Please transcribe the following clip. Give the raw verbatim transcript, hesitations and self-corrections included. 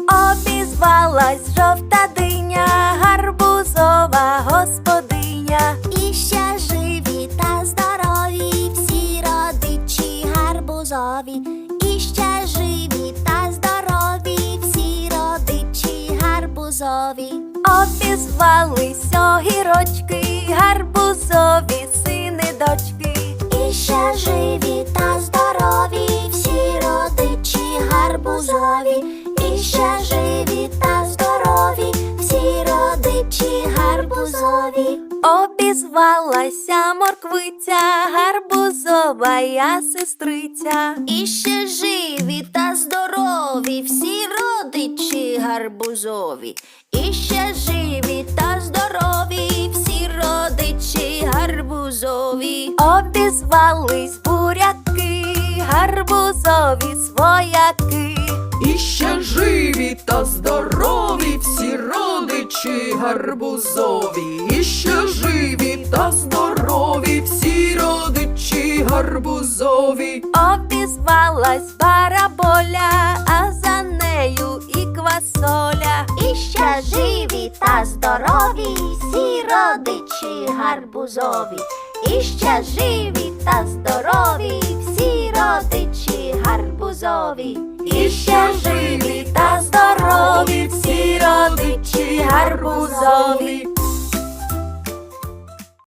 Обізвалась жовта диня, гарбузова господиня. І ще живі та здорові всі родичі гарбузові. І ще живі та здорові всі родичі гарбузові. Обізвались огірочки, гарбузові сини дочки. І ще живі та здорові всі родичі гарбузові. І ще живі та здорові всі родичі гарбузові. Обізвалася морквиця, гарбузова я сестриця. І ще живі та здорові всі родичі гарбузові. І ще живі та здорові всі родичі гарбузові. Обізвались буряки, гарбузові свояки. І ще живі та здорові всі родичі гарбузові. І ще живі та здорові всі родичі гарбузові. Обізвалась бараболя, а за нею і квасоля. І ще живі та здорові всі родичі гарбузові. І ще живі та здорові всі родичі гарбузові. І ще живі та здорові всі родичі гарбузові.